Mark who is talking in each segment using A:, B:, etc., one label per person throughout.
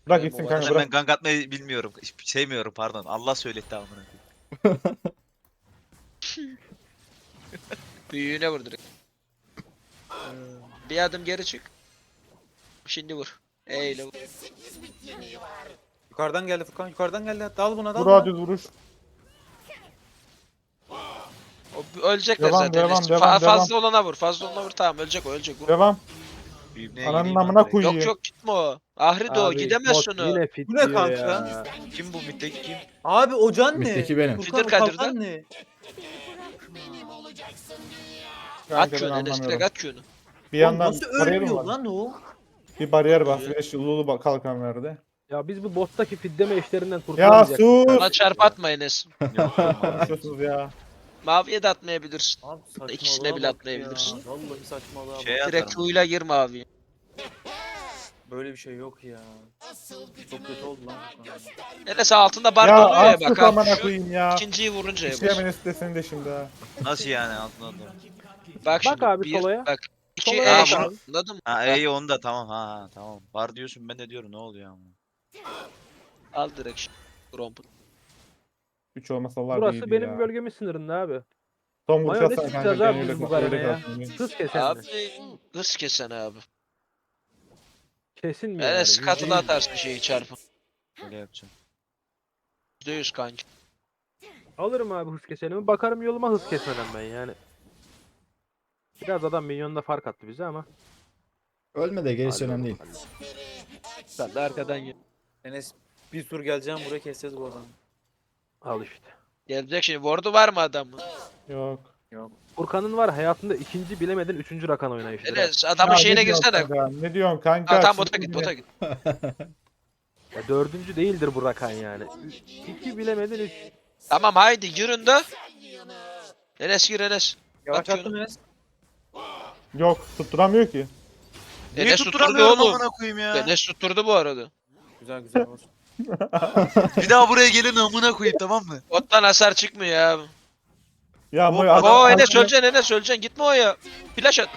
A: Bırak
B: Benim
A: gitsin
B: o
A: kanka
C: Zaten ben
A: bırak.
C: gank atmayı bilmiyorum. Sevmiyorum pardon. Allah söyletti amına koyayım.
B: Büyüğüne vur direkt. Bir adım geri çık. Şimdi vur. Eyle vur.
D: Yukarıdan geldi Furkan. Yukarıdan geldi. Dal buna dal
A: Vur
D: buna.
A: düz vuruş.
B: Ölecekler
A: Devam,
B: zaten.
A: devam, devam,
B: Fazla olana vur. Fazla olana vur. Tamam ölecek o ölecek. Vur.
A: Devam.
C: Büyümneye
A: Ananın
C: geleyim
A: amına
C: lan direkt.
B: Yok
A: koyayım.
B: yok gitme o. Ahri de o.
E: Abi
B: Gidemez
E: bot
B: şunu.
E: yine
D: Bu ne
E: fit diyor
D: kanka?
E: ya.
C: Kim bu mitteki kim?
D: Abi o can ne?
F: Üstteki benim.
D: Furkan
B: Fiddle
D: o
B: Kadir'de.
D: kalkan ne?
A: Kanka
B: At
A: ben
B: Q'nu Enes direkt
A: anlamıyorum.
B: at Q'nu.
A: Bir
D: Oğlum
A: yandan
D: nasıl
A: bariyer mi
D: ölmüyor
A: var?
D: lan o?
A: Bir bariyer var. Flash Lulu kalkan verdi.
E: Ya biz bu bottaki fiddeme işlerinden
A: Ya
E: kurtulamayacaktık.
A: sus.
B: Bana çarp atma Enes.
C: Yok yok.
A: Konuşuyorsunuz ya.
B: Maviye de atmayabilirsin.
D: Abi saçmalığa
B: İkisine bile
D: bak
B: atlayabilirsin.
D: ya. Vallahi saçmalığa bak.
C: Şey
B: Direkt
C: atarım.
B: Q'yla gir maviye.
D: Böyle bir şey yok ya. Çok kötü oldu lan Furkan.
B: Enes altında bar
A: Ya
B: doluyor ya
A: az
B: bak.
A: sus
B: Al
A: amına
B: şu
A: koyayım ya.
B: ikinciyi vurunca ya
A: İşleyemen
B: bas.
A: istesin de şimdi ha.
C: Nasıl yani altına doğru?
B: Bak şimdi
E: abi
B: bir,
E: solaya.
B: bak. İki
E: Solaya
B: E
C: bak
B: şunu
C: abi.
B: anladın mı?
C: Ha iyi onda tamam ha tamam. Var diyorsun ben de diyorum ne oluyor ama.
B: Al direkt şimdi. Romp'u.
A: 3 olmasalar
E: Burası
A: iyiydi
E: benim
A: ya.
E: bölgemin sınırında abi.
A: Son vuruş
E: Mayo ne
A: atsana kanka.
E: sıkacağız
A: Gene
E: abi
A: öyle
E: biz bu
A: kalsın.
E: garene
A: Öyle
E: ya.
A: kalsın.
E: Hız kesen
B: Abi
E: mi?
B: hız kesen abi.
E: Kesin mi yani?
B: Enes
E: Yüzde
B: katıla
E: yüz.
B: atarsın şeyi çarpı.
C: Öyle yapacağım.
B: %100 kanki.
E: Alırım abi hız kesenimi. Bakarım yoluma hız kesmeden ben yani. Biraz adam milyonda fark attı bize ama.
F: Ölme de gerisi önemli değil.
B: Sen de arkadan gel.
D: Enes bir tur geleceğim buraya keseceğiz bu adamı.
E: Al işte.
B: Gelecek şimdi. Ward'u var mı adamın?
A: Yok.
E: Furkan'ın var hayatında ikinci bilemedin üçüncü rakan oynayışı.
B: Enes adamın
A: Ya
B: şeyine
A: ne diyorsun
B: girsene.
A: kanka? Ne diyorsun kanka?
B: Ha, tamam bota
A: Şimdi
B: git bota git.
E: Ya dördüncü değildir bu rakan yani. İki bilemedin üç.
B: Tamam haydi girin de. Enes gir Enes.
D: Yavaşlattım Enes.
A: Yok tutturamıyor ki.
C: Niye
B: Enes tutturdu
C: tutturamıyorum
B: oğlum.
C: amına koyayım ya.
B: Enes tutturdu bu arada.
D: Güzel güzel olsun.
C: Bir daha buraya gelin amına koyayım tamam mı?
B: Bottan hasar çıkmıyor ya.
A: Ya
C: Hop,
A: Moyo
B: Oo
A: adam-
B: Enes öleceksin Enes öleceksin. Gitme o ya. Flash at.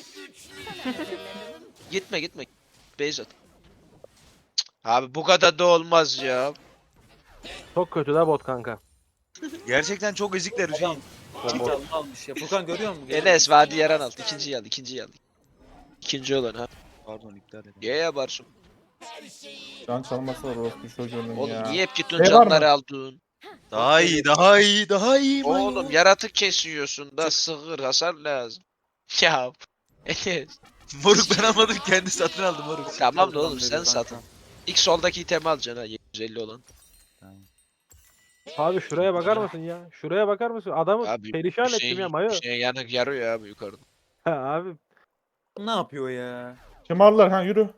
B: Gitme gitme. Base at. Cık, abi bu kadar da olmaz ya.
E: Çok kötü da bot kanka.
C: Gerçekten çok ezikler Hüseyin.
D: Çift almış ya. Furkan görüyor musun?
B: Enes vadi yaran al. İkinciyi al. İkinciyi al. İkinci olan ha.
C: Pardon iptal edin.
B: Niye yaparsın?
A: Can çalması var orospu çocuğunun
B: Oğlum
A: ya.
B: niye hep gittin
A: Şey var mı?
B: canları aldın?
C: Daha iyi daha iyi daha iyi.
B: Oğlum yaratık kesiyorsun da sığır hasar lazım. Ya Enes.
C: Moruk ben almadım kendi satın aldım moruk.
B: Tamam da oğlum sen
D: Kanka.
B: satın. İlk soldaki itemi alacaksın ha 750 olan.
E: Abi şuraya bakar mısın ya? Şuraya bakar mısın? Adamı
B: Abi
E: perişan ettim ya Mayo.
B: Hüseyin yanık yarıyor abi yukarıda.
E: Ha, abi
D: Ne yapıyor ya?
A: Şımarlar ha yürü.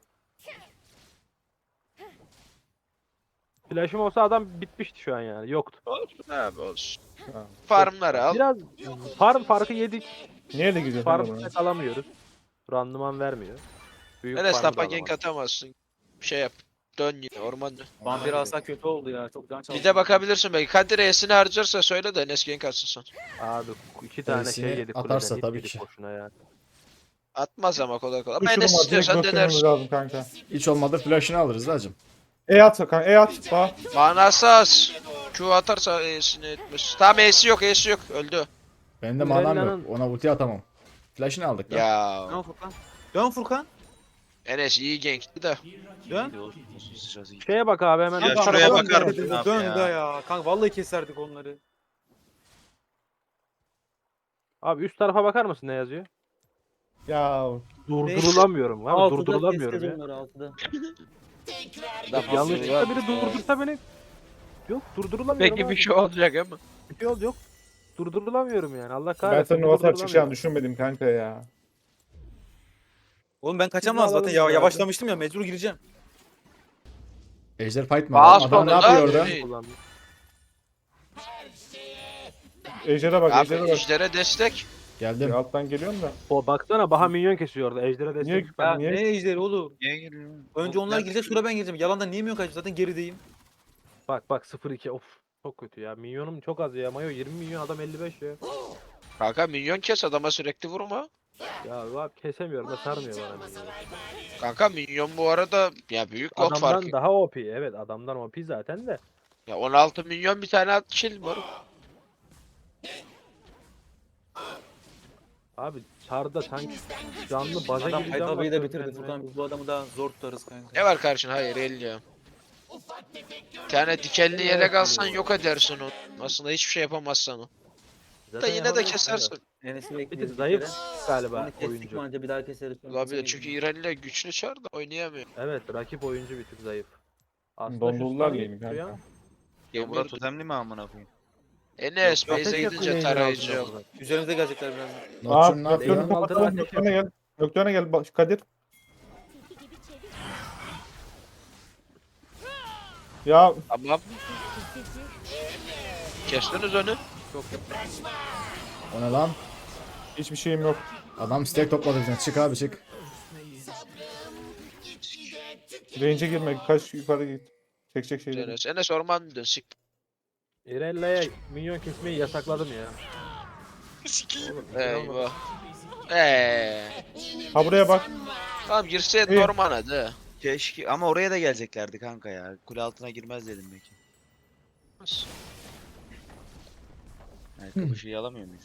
E: flash'ım olsa adam bitmişti şu an yani. Yoktu.
B: Olsun abi olsun.
A: Ha.
B: Farmları al.
E: Biraz farm farkı yedik.
A: Niye de gidiyorsun
E: Farm
A: kanka buna?
E: set alamıyoruz. Randıman vermiyor. Büyük
B: Enes
E: farmı da
B: tapa gank
E: alamıyoruz.
B: atamazsın. Şey yap. Dön yine ormanda.
D: Vampir alsak kötü oldu ya. Çok can çaldı.
B: Bir de bakabilirsin belki. Kadir E'sini harcarsa söyle de Enes gank atsın sen.
E: Abi iki tane
F: Birisini
E: şey yedik
F: atarsa
E: kuleden.
F: tabii
E: Tabii
F: ki.
E: boşuna ya.
B: Atmaz ama kolay kolay. Ama
A: Uçurum
B: Enes
A: var, direkt
B: istiyorsan
A: göstermemiz
B: denersin.
A: lazım kanka.
F: Hiç olmadı flash'ını alırız hacım.
A: E at kanka e at. Bak.
B: Manası az. Q atarsa E'sini etmez. Tamam E'si yok E'si yok. Öldü.
F: Benim de manam
E: Mirella'nın-
F: yok. Ona ulti atamam. Flash'ını aldık da.
B: Ya
D: Dön Furkan. Dön Furkan.
B: Enes iyi gankti de.
D: Dön.
E: Şeye bak abi hemen.
C: Ya
E: Kanka,
C: şuraya
E: dön
C: bakar
E: de.
C: mısın?
D: Dön,
C: abi
D: dön
C: ya?
D: da ya. Kanka vallahi keserdik onları.
E: Abi üst tarafa bakar mısın ne yazıyor?
A: Ya
E: Durdurulamıyorum abi durdurulamıyorum ya.
D: onları altıda.
E: Yanlışlıkla biri durdursa beni. Yok durdurulamıyorum
B: Peki
E: abi.
B: bir şey olacak ama.
E: Bir şey oldu yok. Durdurulamıyorum yani Allah
A: ben
E: kahretsin.
A: senin o atar çıkacağını
E: durdurulamıyorum.
A: düşünmedim kanka ya.
D: Oğlum ben kaçamam
E: Sizi
D: zaten ya.
E: alalım
D: Yavaşlamıştım ya. Mecbur gireceğim.
F: Ejder fight mı?
B: Bas
F: Adam ne
B: onu da.
F: yapıyor orada?
B: Yürü.
E: Kullandım.
A: Ejder'e bak
B: Abi
A: Ejder'e bak.
B: ejdere destek.
F: Geldim.
A: Ya alttan geliyorum da.
E: O baksana Baha minyon kesiyor orada. Ejder'e destek.
A: Niye?
D: Ya
A: Niye?
D: ne ejderi oğlum?
C: Niye geliyor?
D: Önce onlar girecek sonra ben gireceğim. Yalandan niye mi yok zaten gerideyim.
E: Bak 0-2 of. Çok kötü ya. Minyonum çok az ya. Mayo 20 milyon adam 55 ya.
B: Kanka minyon kes adama sürekli vurma.
E: Ya abi kesemiyorum da sarmıyor bana minyonu.
B: Kanka minyon bu arada ya büyük god farkı.
E: Adamdan daha OP. Evet adamdan OP zaten de.
B: Ya 16 milyon bir tane at kill var.
E: Abi çarda sanki canlı baza
D: Adam
E: gibi can
D: Haydabı'yı da
E: basıyor
D: bitirdi
E: kendine.
D: Furkan. Biz bu adamı daha zor tutarız kanka.
B: Ne var karşın? Hayır 50 ya. Bir tane dikenli yelek alsan yok edersin onu. Aslında hiçbir şey yapamazsan o. Da
E: Zaten
B: yine de
E: yapamıyorsun
B: kesersin.
D: Enes'i
E: Bir
D: bekliyoruz.
E: de zayıf
D: kere.
E: galiba
D: Onu kestik mi
E: oyuncu.
D: anca bir daha keseriz. sonra
B: Olabilir
D: kesemeyiz.
B: çünkü İreli'yle güçlü çar da oynayamıyor.
E: Evet rakip oyuncu bir tık zayıf. Aslında
A: Dondurdular
E: şu
A: lane'i
E: stun'ı
A: kanka.
C: Ya
B: Yemin
C: bura totemli mi amına koyayım?
B: Enes
E: Ateş
B: base'e
E: yakın
B: gidince
E: yayınlar
B: tarayıcı
E: altında
B: yok.
E: burada.
D: Üzerimize gelecekler birazdan.
F: Nocturne ne
E: Nocturne
F: yapıyor?
E: altına
A: Kapatalım.
E: ateş
A: Nocturne'a gel. Nocturne'a gel. Kadir. Ya
B: Tamam. Kestiniz önü.
F: O ne lan?
A: hiçbir şeyim yok.
F: Adam stack topladı bizden. Çık abi çık.
A: Range'e girme. Kaç yukarı git. Çekecek şey değil.
B: Enes orman dön sik.
E: Irella'ya minyon kesmeyi yasakladım ya. Oğlum,
B: Eyvah.
A: Ha buraya bak.
B: Tamam girseydin
A: İyi.
B: orman hadi.
C: Keşke ama oraya da geleceklerdi kanka ya. Kule altına girmez dedim belki. Ayakkabı şeyi alamıyor muyuz?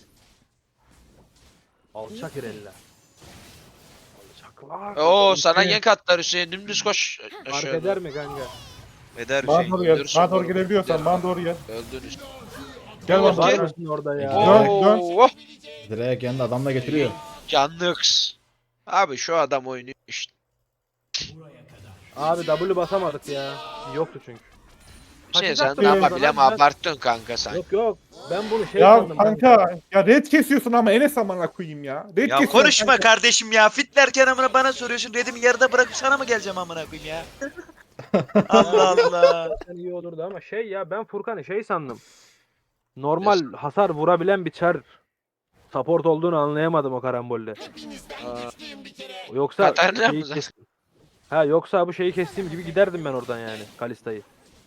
E: Alçak Irella. Alçaklar.
B: Oo sana gank atlar Hüseyin dümdüz koş.
E: Fark
B: Aşağıda.
E: eder mi kanka?
C: Eder
A: Bana
C: Hüseyin.
A: doğru gel.
B: öldürürsün
A: Bana doğru
B: oğlum.
A: girebiliyorsan bana doğru gel.
B: Öldünüz.
A: Gel bana
B: Okey.
A: doğru.
E: Varsın orada ya.
F: Dön,
B: Oo.
F: Direkt yanında adam da getiriyor.
B: Canlıks. Abi şu adam oynuyor işte.
E: Abi W basamadık ya. Yoktu çünkü.
B: Şey sen
E: Kaçacaktım
B: de
E: ben
B: ama
E: sana,
B: bilem
E: ben-
B: abarttın kanka sen.
E: Yok yok. Ben bunu şey
A: Ya
E: sandım.
A: kanka. Ya red kesiyorsun ama Enes amına koyayım ya. Red
C: Ya
A: kesiyorsun
C: konuşma
A: kanka.
C: kardeşim ya. Fitlerken amına bana soruyorsun. Redimi yarıda bırakıp sana mı geleceğim amına koyayım ya? Allah Allah.
E: Zaten iyi olurdu ama şey ya ben Furkan'ı şey sandım. Normal hasar vurabilen bir çar support olduğunu anlayamadım o karambolde.
B: Aa,
E: Yoksa
B: Katarina
E: şeyi
B: mı zaten?
E: Ha yoksa bu şeyi kestiğim gibi giderdim ben oradan yani Kalista'yı.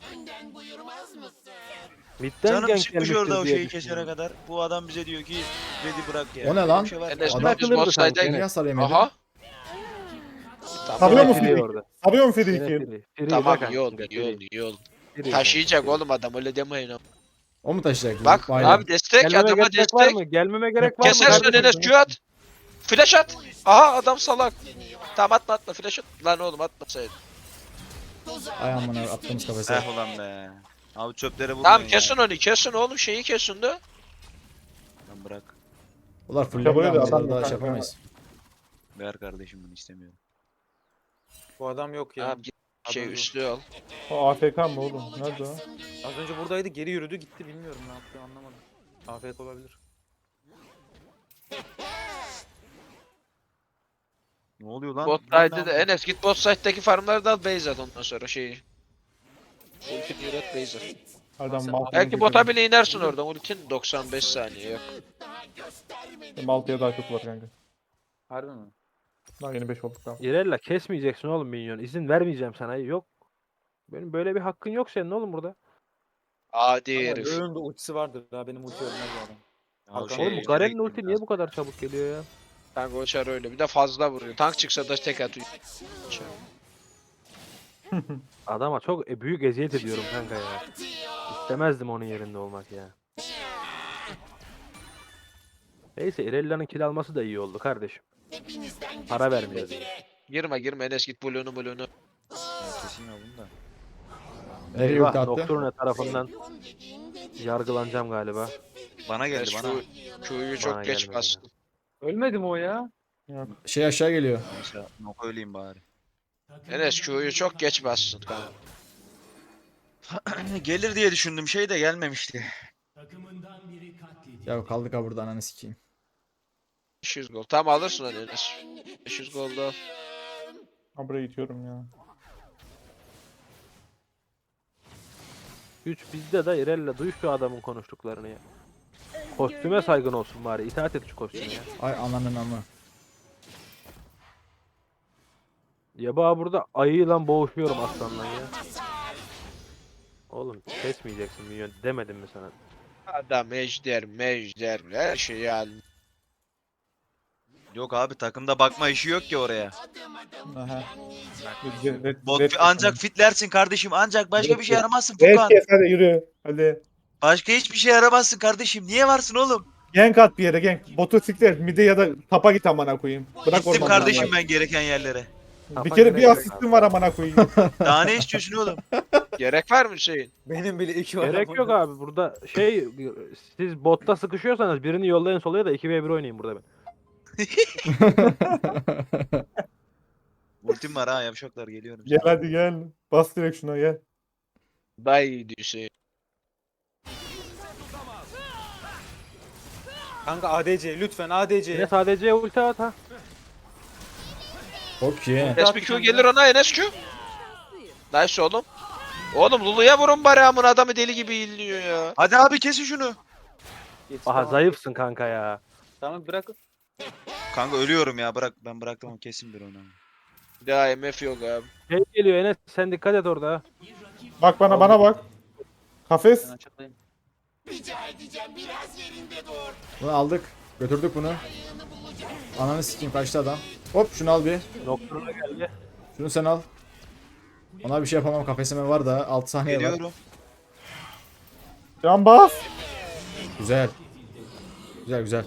E: Midden
C: Canım
E: gank
C: çıkmış
E: gelmiştir
C: orada o
E: diye
C: şeyi kesene
E: düşünüyorum.
C: kadar. Bu adam bize diyor ki Red'i bırak ya.
F: O ne
C: Böyle
F: lan?
C: bir şey var.
B: Enes
F: Adam
B: biz
E: akıllıdır
B: bot side'a
E: sanki.
F: Niye hasar yemedi?
B: Aha.
A: Sabıyor
E: Yine
A: mu
E: free
A: Fidiki?
E: orada.
A: Sabıyor mu
E: Yine
A: Fidiki?
E: free. Free
B: Tamam
E: bak
B: iyi oldu
E: kanka,
B: iyi
E: free.
B: oldu iyi oldu.
E: Free
B: Taşıyacak
E: kanka,
B: oğlum adam öyle demeyin ama.
F: O mu taşıyacak?
B: Bak
F: Aynen.
B: abi destek
E: Gelmeme
B: adama
E: gerek var
B: destek.
E: mı? Gelmeme gerek var mı?
B: Kesersin
E: kardeşim?
B: Enes Q at. Flash at. Aha adam salak. Tamam atma flash at. Lan oğlum atmasaydın.
F: Ay amına attığımız kafese.
C: Eh ulan be. Abi çöplere vurmayın
B: Tamam
C: ya.
B: kesin oğlum şeyi kesin de.
C: Lan bırak.
F: Ulan
A: Ya
F: fullendi
A: böyle de
F: ama
A: adam
F: daha
A: yok
F: şey
A: kanka.
F: yapamayız.
C: Ver kardeşim bunu istemiyorum.
D: Bu adam yok ya.
B: Tamam git şey
D: Adam yok.
B: üstlüğü al.
A: O AFK mı oğlum? Nerede o?
D: Az önce buradaydı geri yürüdü gitti bilmiyorum ne yaptı anlamadım. Afiyet olabilir.
C: Ne oluyor lan?
B: Bot
C: Lan ne
B: side'de de
C: yapıyorsun?
B: Enes git bot side'deki farmları da al base at ondan sonra şeyi. Ultini yönet base at.
A: Adam
D: Sen-
A: Malta'ya
B: Belki bota bile inersin oradan ultin 95 saniye yok.
A: Malta'ya daha çok var kanka.
D: Harbi mi?
A: Daha yeni 5 olduk tamam.
E: İrella kesmeyeceksin oğlum minyon. İzin vermeyeceğim sana. Yok. Benim böyle bir hakkın yok senin oğlum burada.
B: Adi
D: Ama
B: herif.
D: önünde ultisi vardır daha benim ulti ölmez bu adam.
C: Ya
D: Hakan-
C: şey,
E: Oğlum bu
C: şöyle
E: Garen'in
C: gitmem
E: ulti niye
C: lazım.
E: bu kadar çabuk geliyor ya?
B: Kanka o çar öyle. Bir de fazla vuruyor. Tank çıksa da tek atıyor.
E: Adama çok büyük eziyet ediyorum kanka ya. İstemezdim onun yerinde olmak ya. Neyse Irella'nın kill alması da iyi oldu kardeşim. Para vermiyor diye.
B: Girme Enes git blue'unu.
C: Ya kesin aldım da.
F: Nereye
E: Eyvah
F: ulti attı?
E: Nocturne tarafından yargılanacağım galiba.
C: Bana geldi
B: Enes
C: bana.
B: Q'yu çok
E: Bana
B: geç
E: gelmedi
B: bastın.
D: Ölmedi mi o ya?
F: Şey aşağı geliyor.
C: Neyse nok öleyim bari.
B: Enes Q'yu çok geç bastın kanka.
C: Gelir diye düşündüm şey de gelmemişti.
F: Ya kaldık ha burada ananı sikeyim.
B: 500 gol. Tam alırsın onu Enes. 500 gol da al.
A: Ha buraya itiyorum ya.
E: Güç bizde de Irella duy şu adamın konuştuklarını ya. Kostüme saygın olsun bari. İtaat et şu kostüme ya.
F: Ay ananın amı.
E: Ya bana burada ayıyla boğuşuyorum aslanla ya. Oğlum kesmeyeceksin minyon demedim mi sana?
B: Adam ejder her şeyi al.
C: Yok abi takımda bakma işi yok ki oraya.
A: Aha.
C: Ancak fitlersin kardeşim. Ancak başka bir şey yaramazsın
A: Red
C: Furkan.
A: kes hadi yürü. Hadi.
C: Başka hiçbir şey yaramazsın kardeşim. Niye varsın oğlum?
A: Gank at bir yere gank. Botu siktir. Mide ya da tapa git amına koyayım. Bırak
C: Gittim
A: ormanı.
C: kardeşim ben gereken yerlere.
A: Bir kere bir asistim var amına koyayım.
C: Daha ne istiyorsun oğlum?
B: Gerek var mı Hüseyin?
D: Benim bile 2 var.
E: Gerek yok abi burada siz botta sıkışıyorsanız birini yollayın solaya da 2v1 oynayın burada ben.
C: Ultim var ha yavşaklar geliyorum.
A: Gel hadi gel. Bas direkt şuna gel.
B: Daha iyiydi Hüseyin.
D: Kanka ADC lütfen ADC.
E: Yine sadece ulti at ha.
F: Okey.
B: Enes bir Q gelir ona Enes Q. Nice oğlum. Oğlum Lulu'ya vurun bari amına adamı deli gibi illiyor ya.
C: Hadi abi kesin şunu.
E: Aha zayıfsın kanka ya.
D: Tamam bırak.
C: Kanka ölüyorum ya bırak. Ben bıraktım ama kesin bir onu.
B: Daha MF yok abi.
E: Şey geliyor Enes sen dikkat et orada ha.
A: Bak bana bak. Kafes.
D: Ben açıklayayım.
F: Bunu aldık. Götürdük bunu. Ananı sikeyim kaçtı adam. Hop şunu al bir.
E: Nocturne'a geldi.
F: Şunu sen al. Ona bir şey yapamam kafesime var da 6 saniye var.
C: Geliyorum.
A: Can bas.
F: Güzel. Güzel güzel.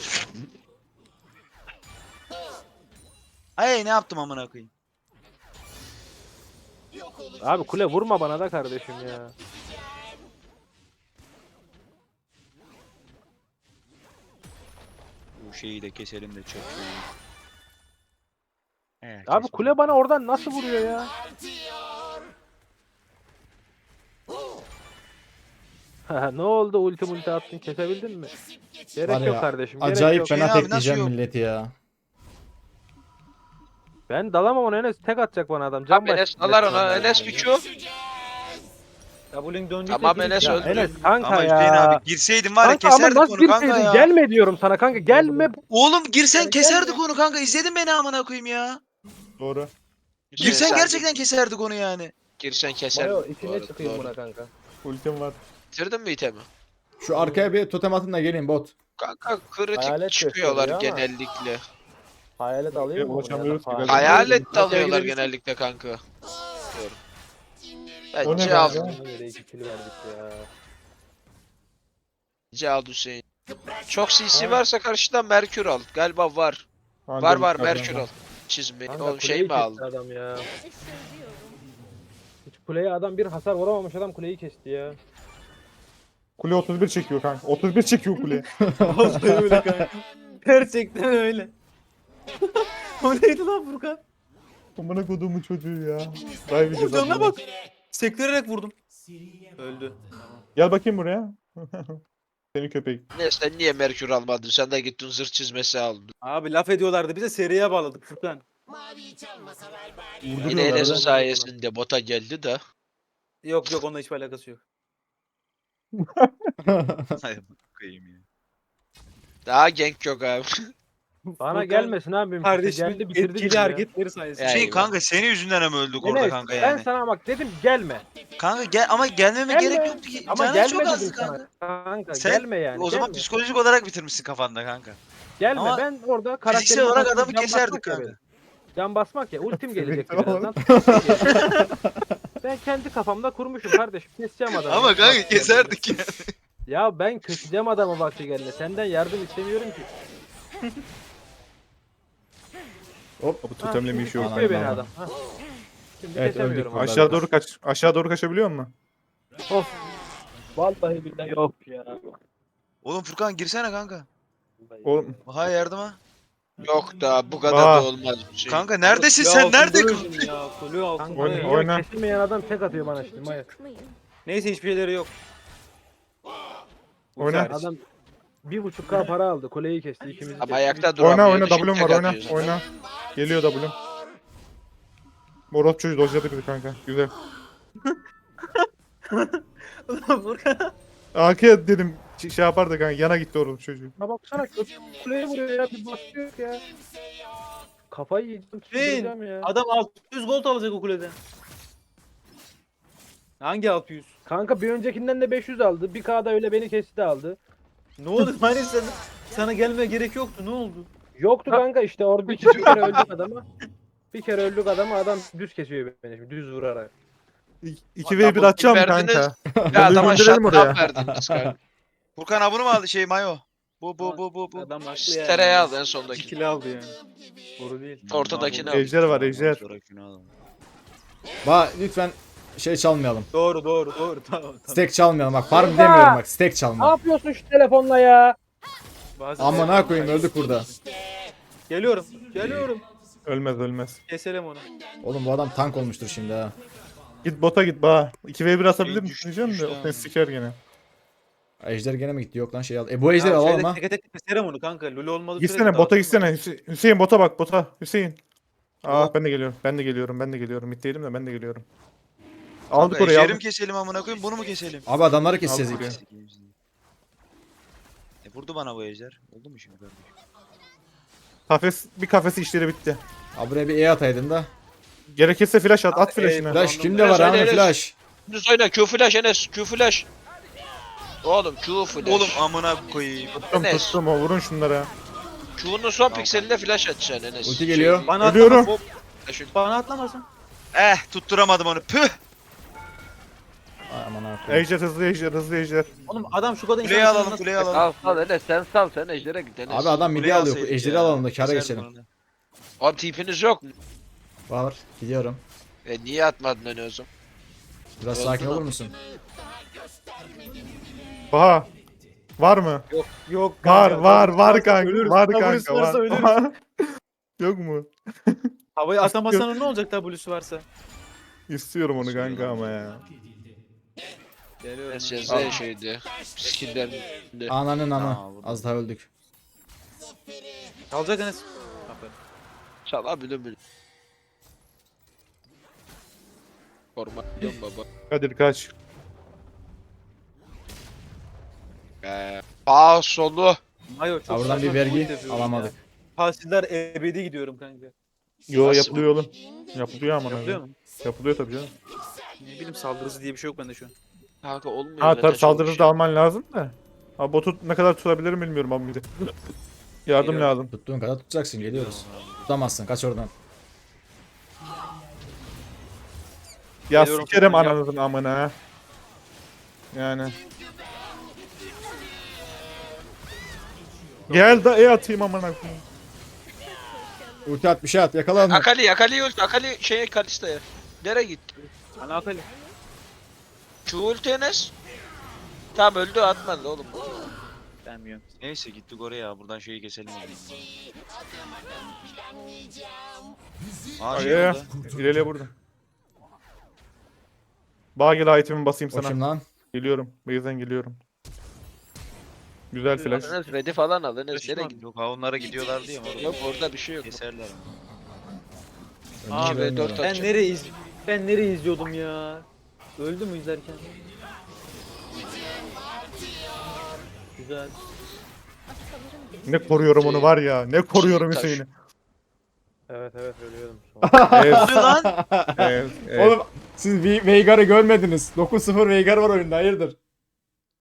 C: Ay ne yaptım amına koyayım.
E: Abi kule vurma bana da kardeşim ya.
C: Bu şeyi de keselim de çok şey. He,
E: Abi
C: kes
E: kule bana oradan nasıl vuruyor ya? Ne oldu ulti attın kesebildin mi? Gerek
F: Var
E: yok
F: ya,
E: kardeşim. Gerek
F: acayip
E: yok.
F: fena
C: Hüseyin abi,
F: tekleyeceğim
C: nasıl yok?
F: milleti ya.
E: Ben dalamam ona Enes tek atacak bana adam. Can
B: Tamam Enes alar ona. Enes bir Q.
D: W'nin döndüyse
B: Tamam
D: gir.
B: Enes
E: Ya
B: öldü.
E: Enes kanka
C: Ama
E: ya.
C: Hüseyin abi girseydin var ya
E: Kanka ama
C: keserdik
E: nasıl
C: onu kanka
E: girseydin?
C: ya.
E: Gelme diyorum sana kanka. Gelme.
C: Oğlum girsen
E: Yani
C: keserdik onu kanka. İzledin beni amına koyayım ya.
A: Doğru.
B: Hüseyin,
C: Girsen
B: sen
C: gerçekten keserdik onu yani.
B: Girsen keser.
E: Mayo
B: Bu
E: içine
B: arada,
E: çıkayım
B: doğru.
E: buna kanka.
A: Ultim var.
B: Bitirdin mi itemi?
F: Şu arkaya bir totem atın da gelin bot.
B: Kanka kritik
E: Hayalet
B: çıkıyorlar
E: gösteriyor ama.
B: genellikle.
E: Hayalet alayım mı?
A: Ulaşamıyoruz ki
E: Hayalet.
A: galiba.
B: Hayalet de
D: Hayalet
B: alıyorlar
D: gidebilirsin.
B: genellikle kanka. Diyorum.
A: O ne
B: Bence
A: kanka?
B: al.
E: Nereye 2 kill verdik ya.
B: Bence al Hüseyin. Çok CC varsa karşıdan Merkür al. Galiba var.
A: Anca
B: Var var
A: bir
B: Merkür
A: tane
B: al. Çizme.
E: Kanka
B: Oğlum şey
E: kuleyi
B: mi
E: kesti
B: aldın?
E: adam ya. Hiç kuleye adam bir hasar vuramamış adam kuleyi kesti ya.
A: Kule 31 çekiyor kanka. 31 çekiyor kule.
D: Vallahi öyle kanka. Gerçekten öyle. O neydi lan Furkan?
A: Amına koduğumun çocuğu ya. Dive
D: Canına bak. Sektirerek vurdum. Öldü.
A: Gel bakayım buraya. Seni köpek.
B: Ne sen niye Merkür almadın? Sen de gittin zırh çizmesi aldın.
D: Abi laf ediyorlardı bize seriye bağladık Furkan.
B: Yine
A: Vurduruyorlar
B: Enes'in
A: lan.
B: sayesinde bota geldi de.
D: Yok yok onunla hiçbir alakası yok.
C: Hay koyayım ya.
B: Daha gank yok abi.
E: Bana
D: Furkan,
E: gelmesin abi.
D: Kardeşimin
E: geldi bitirdi
D: etkili
E: bizi ya.
D: hareketleri sayesinde.
B: Ya.
C: Şey
B: Eyvah.
C: kanka senin yüzünden mi öldük orada
E: Enes,
C: kanka
E: ben
C: yani?
E: sana bak dedim gelme.
C: Kanka gel ama gelmeme
E: Gelme.
C: gerek yoktu ki.
E: Ama
C: Canın
E: gelme
C: çok azdı
E: dedim
C: kanka.
E: sana. Kanka
C: Sen
E: gelme yani.
C: O zaman
E: gelme.
C: psikolojik olarak bitirmişsin kafanda kanka.
E: Gelme
C: Ama
E: ben orada
C: Fiziksel
E: karakterime
C: olarak
E: takılıp
C: adamı
E: can
C: keserdik
E: basmak ya
C: kanka.
E: benim. Can basmak ya ultim gelecek
A: Fiziksel
E: birazdan. Ben kendi kafamda kurmuşum kardeşim. Keseceğim adamı.
C: Ama kanka
E: Bak,
C: keserdik ya.
E: Ya ben keseceğim adamı vakti geldi. Senden yardım istemiyorum ki.
F: Hop.
A: Bu totemle bir işi yok.
E: Kesiyor beni
F: Aman.
E: adam. Ha. Şimdi
F: Evet,
E: kesemiyorum.
F: öldük
E: adamı.
A: Aşağı doğru kaç. Aşağı doğru kaçabiliyor musun?
E: Of. Vallahi billahi yok ya.
C: Oğlum Furkan girsene kanka.
A: Oğlum
C: Ha yardıma.
B: Yok da bu kadar
A: Aa.
B: da olmaz bir şey.
C: Kanka neredesin
D: Kule
C: sen?
D: altında
C: Nerede
D: öldüm
C: kaldın?
D: ya? Kule altında.
E: Kanka,
A: Oyna,
E: ya,
A: oyna.
E: kesilmeyen adam tek atıyor bana şimdi. Maya.
D: Neyse hiçbir şeyleri yok.
A: Oyna.
D: Güzel.
E: Adam 1.5k para aldı. Kuleyi kesti ikimizi.
B: Ama
E: kesti.
B: ayakta duramıyor.
A: Oyna oyna
B: düşün,
A: W'm
B: tek
A: var oyna.
B: atıyor.
A: Oyna. Geliyor W'm. Morot çocuğu dojladı bizi kanka. Güzel.
D: Ulan Furkan.
A: AK dedim şey yapardı kanka. Yana gitti oğlum çocuğu.
E: Ha baksana kuleye vuruyor ya. Bir basıyor ya. Kafayı yiyeceğim. çıldıracağım ya.
D: Adam 600 gold alacak o kuleden. Hangi 600?
E: Kanka bir öncekinden de 500 aldı. Bir K'da öyle beni kesti aldı.
D: Ne oldu? Hani sana gelmeye gerek yoktu. Ne oldu?
E: Yoktu kanka işte orada bir kere öldük adama. Bir kere öldük adama adam düz kesiyor beni şimdi düz vurarak.
A: 2v1 atacağım
B: verdiniz.
A: kanka.
B: Ya adama
A: gönderelim oraya.
B: shutdown verdiniz kanka.
C: Furkan abunu mu aldı şey Mayo? Bu.
D: Adam haklı
B: Stereye
D: yani.
B: al en sondaki.
D: 2 al yani. Doğru değil.
B: Ortadakini al.
A: Ejder var ejder.
F: Bak lütfen şey çalmayalım.
D: Doğru. Tamam.
F: Stack çalmayalım bak. Farm demiyorum bak. Stack
E: Ne
F: çalma.
E: yapıyorsun şu telefonla ya?
D: Bazen
F: Amına koyayım öldük burada.
D: Geliyorum.
A: Ölmez.
D: Keselim onu.
F: Oğlum bu adam tank olmuştur şimdi ha.
A: Git bota git ba. 2v1 atabilir
C: Şey
A: misin
C: düştü,
A: diyeceğim de
C: düştü
A: o
C: abi.
A: seni siker gene.
F: Ejder gene mi gitti? Yok lan şey al. Bu ejderi alalım ha.
D: Tek keserim onu kanka. Lulu olmadı.
A: Gitsene bota gitsene. Hüseyin bota bak bota. Hüseyin. Ben de geliyorum. Mitteydim de ben de geliyorum. Aldık orayı
C: Ejder'i
A: aldık.
C: mi keselim amına koyayım bunu mu keselim?
F: Abi adamları keseceğiz
A: Aldık
F: ilk.
C: E vurdu bana bu ejder. Oldu mu şimdi kardeşim?
A: Bir kafesi işleri bitti.
F: Abi buraya bir E ataydın da.
A: Gerekirse flash at flash'ını.
F: Flash kimde var abi flash?
B: Düz oyna Q flash Enes Q flash. Oğlum Q flash.
C: Oğlum amına koyayım.
A: Tuttum o vurun şunlara.
B: Q'nun son pikselinde flash atacaksın Enes.
F: Ulti geliyor.
B: Şey,
D: Bana
A: Ölüyorum.
D: atlamasın. Bana atlamasın.
C: Tutturamadım onu. Püh.
F: Ay, aman abi.
A: Ejder hızlı ejder.
D: Oğlum adam şu kadar
C: Kuleyi alalım kuleyi alalım.
B: Sal Enes sen sal sen Ejder'e git Enes.
F: Abi adam midi
C: Kuleyi
F: alıyor.
C: alsaydık
F: Ejderi
C: ya.
F: alalım da kâra
C: Keserdim
F: geçelim.
C: onu.
B: Abi tipiniz yok mu?
F: Var. Gidiyorum.
B: Niye atmadın Enes o zaman?
F: Biraz
B: Oldu
F: sakin
B: mu?
F: olur musun?
A: Baha. Var mı?
D: Yok
A: Var kanka.
D: Ölürüz.
A: Var
D: W'su
A: kanka
D: varsa
A: var.
D: ölürüz.
A: Yok mu?
D: Havayı atamasan ne olacak W'su varsa?
A: İstiyorum onu kanka ama ya.
D: Geliyorum.
B: Enes yazdığı şeydi. Skill'lerinde.
F: Ananın anı.
C: Aa, vurdum.
F: Az daha öldük.
D: Kalacak Enes. Aferin.
B: Çalabilir mi? Format diyorum baba.
A: Kadir kaç.
B: Solu.
D: Mayo çok
F: Ha, buradan
D: saçma
F: bir vergi
D: point yapıyorum
F: alamadık.
D: ya. Tahsiller ebedi gidiyorum kanka.
A: Yo
B: Nasıl?
A: yapılıyor oğlum. Yapılıyor ama.
D: Yapılıyor mu?
A: Yapılıyor tabii canım.
D: Ne bileyim saldırısı diye bir şey yok bende şu an.
B: Kanka olmuyor.
A: Ha
B: öyle
A: tabii
B: de
A: saldırıda
B: çok
A: alman lazım da. Abi botu ne kadar tutabilirim bilmiyorum abi bir de. Yardım
D: Geliyorum.
A: lazım.
F: Tuttuğun kadar tutacaksın. Geliyoruz. Tutamazsın. Kaç oradan.
A: Ya
D: Geliyorum,
A: sikerim
D: tutun ya.
A: ananızın amına ha. Yani. Gel da atayım amına koyayım.
F: Ulti at bir şey at. Yakala onu.
B: Akali ult. Akali şeye Kalista'ya. Nereye gitti?
D: Ana akali.
B: Q ulti Enes. Tamam öldü atmadı oğlum.
D: Bilmiyorum.
C: Neyse gittik oraya buradan şeyi keselim. Aa şey
A: Ay,
C: oldu.
A: İleriye burada. Bağ gel itemimi basayım
F: O
A: sana.
F: kim lan?
A: Geliyorum. Base'den geliyorum. Güzel flash.
B: Enes ready falan al Enes. Nereye
C: Kaçma.
B: gitti?
C: Yok ha onlara gidiyorlar diye mi?
B: Yok orada bir şey yok.
C: Keserler.
F: Önce
B: Abi,
F: bilmiyorum.
B: dört at.
D: Ben nereye izliyordum ya? Öldü mü izlerken? Güzel.
A: Ne koruyorum onu var ya. Ne koruyorum
B: Taş.
A: Hüseyin'i.
E: Evet ölüyordum.
A: Evet.
C: Ne lan?
A: Evet.
F: Oğlum siz Veigar'ı görmediniz. 9-0 Veigar var oyunda hayırdır?